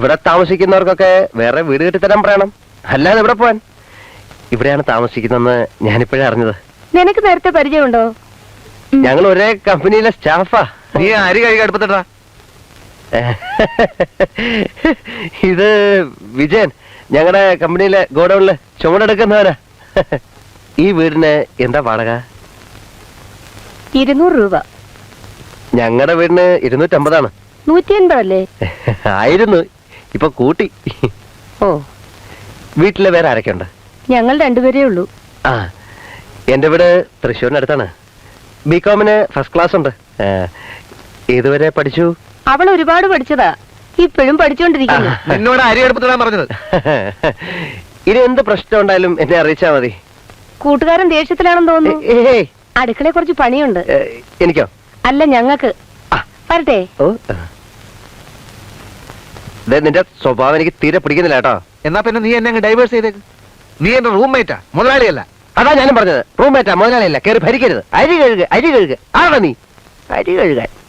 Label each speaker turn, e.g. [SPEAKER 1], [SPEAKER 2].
[SPEAKER 1] ഇവിടെ താമസിക്കുന്നവർക്കൊക്കെ വേറെ വീട് കെട്ടിത്തരാൻ പറയണം, അല്ലാതെ ഇവിടെ പോവാൻ. ഇവിടെയാണ് താമസിക്കുന്നതെന്ന് ഞാനിപ്പോഴേ അറിഞ്ഞത്.
[SPEAKER 2] നിനക്ക് നേരത്തെ പരിചയമുണ്ടോ?
[SPEAKER 1] ഞങ്ങൾ ഒരേ കമ്പനിയിലെ സ്റ്റാഫാ.
[SPEAKER 3] നീ അരി കഴുകി അടുപ്പത്തിട്ടാ.
[SPEAKER 1] ഇത് വിജയൻ, ഞങ്ങളുടെ കമ്പനിയിലെ ഗോഡൌണില് ചുമടെടുക്കുന്നവനാ. ഈ വീടിന് എന്താ വാടക?
[SPEAKER 2] 200 രൂപ.
[SPEAKER 1] ഞങ്ങളുടെ വീടിന് 250
[SPEAKER 2] 180 അല്ലേ?
[SPEAKER 1] ആയിരുന്നു, ഇപ്പൊ കൂട്ടി.
[SPEAKER 2] ഓ,
[SPEAKER 1] വീട്ടില് വേറെ ആരൊക്കെ ഉണ്ട്?
[SPEAKER 2] ഞങ്ങൾ രണ്ടുപേരേ ഉള്ളൂ.
[SPEAKER 1] ആ, എന്റെ വീട് തൃശ്ശൂരിനടുത്താണ്. ബികോമിന് ഫസ്റ്റ് ക്ലാസ് ഉണ്ട്. ഏതുവരെ പഠിച്ചു?
[SPEAKER 2] അവൾ ഒരുപാട് പഠിച്ചതാ, ഇപ്പോഴും പഠിച്ചോണ്ടിരിക്കുന്നു.
[SPEAKER 3] നിന്നോട് അരി അടുപ്പത്തിടാൻ പറഞ്ഞത്.
[SPEAKER 1] ഇനി എന്ത് പ്രശ്നം ഉണ്ടായാലും എന്നെ അറിയിച്ചാ മതി.
[SPEAKER 2] കൂട്ടുകാരൻ ദേഷ്യത്തിലാണെന്ന് തോന്നുന്നു.
[SPEAKER 1] ഏയ്,
[SPEAKER 2] അടുക്കളയെ കുറച്ച് പണിയുണ്ട്.
[SPEAKER 1] എനിക്കോ?
[SPEAKER 2] അല്ല, ഞങ്ങൾക്ക്. വരട്ടെ.
[SPEAKER 1] ഓ, നിന്റെ സ്വഭാവം എനിക്ക് തീരെ പിടിക്കുന്നില്ല കേട്ടോ.
[SPEAKER 3] എന്നാ പിന്നെ നീ എന്നെ ഡൈവേഴ്സ് ചെയ്തേക്ക്. നീ എന്റെ റൂംമേറ്റാ, മുതലാളിയല്ല.
[SPEAKER 1] അതാ ഞാനും പറഞ്ഞത്, റൂംമേറ്റാ, മുതലാളിയല്ല. കയറി ഭരിക്കരുത്. അരി കഴുകുക, അരി കഴുകുക. ആണോ നീ അരി കഴുകാൻ?